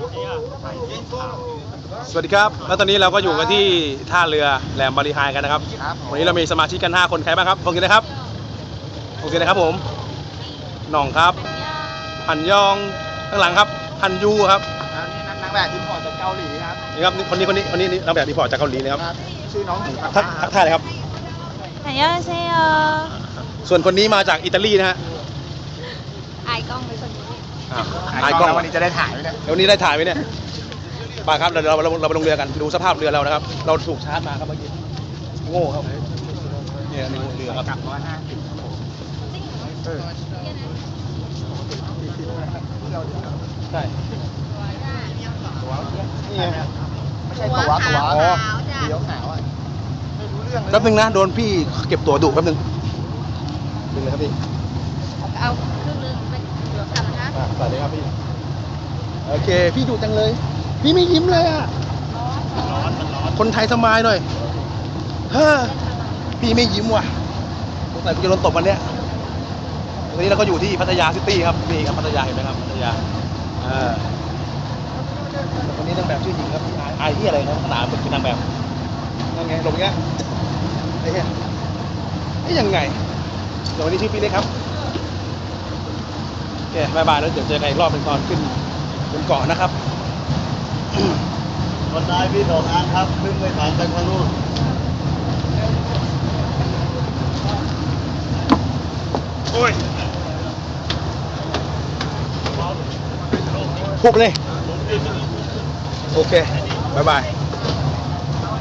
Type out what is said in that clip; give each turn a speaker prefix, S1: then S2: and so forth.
S1: สวัสดีครับแล้วตอนนี้เราก็อยู่กันที่ท่าเรือแหลมบาลีไฮกันนะครับวันนี้เรามีสมาชิกกัน5คนใครบ้างครับพงศิษฐ์นะครับพงศิษฐ์นะครับผมหน่องครับหันยองข้างหลังครับฮันยูครับ
S2: นี่นางแบบอินพอร์ตจากเกาหลีครับ
S1: นี่ครับคนนี้นางแบบอินพอร์ตจากเกาหลีนะครับ
S2: ชื่อน้องหมูครับ
S1: ทักทายเลยครับ
S3: 안녕하세요
S1: ส่วนคนนี้มาจากอิตาลีนะฮะ
S3: อายกล้องไปคนนี้
S1: อายกล้อง
S2: วันนี้จะได้ถ่ายไหมเนี่ย
S1: วันนี้ได้ถ่ายไหมเนี่ยไปครับเราไปลงเรือกันดูสภาพเรือเรานะครับเราถูกชาร์จมาครับเมื่อกี้โง่ครับเนี่ยนี่เรือครับ
S2: กลับ150
S1: ใช่นี่ไง
S2: ไม่ใช่ตัวอ๋อเดี๋ยวขาวอ่ะไม่รู้เรื่องเลย
S1: แป๊บนึงนะโดนพี่เก็บตั๋วดุแป๊บนึงดึงเลยครับพี่
S3: เอาครึ่งนึงไปเหลือกันนะ
S1: สวัสดีครับพี่โอเคพี่ดุจังเลยพี่ไม่ยิ้มเลยอ่ะคนไทยสมายหน่อยเฮ้อพี่ไม่ยิ้มว่ะสงสัยกูจะโดนตบวันเนี้ยวันนี้เราก็อยู่ที่พัทยาซิตี้ครับนี่ครับพัทยาเห็นไหมครับพัทยาคนนี้นางแบบชื่อหญิงครับอายที่อะไรครับขนาดเป็นนางแบบนั่นไงลงเงี้ยไอ้เหี้ยไอ้ยังไงเดี๋ยววันนี้ชื่อพี่เล็กครับโอเคบายบายแล้วเดี๋ยวเจอกันอีกรอบเป็นตอนขึ้นบนเกาะนะครับ
S2: คนได้พี่2 อันครับขึ้นไปฐานจากทางนู้น
S1: โอ้ยพุบเลยโอเคบายบาย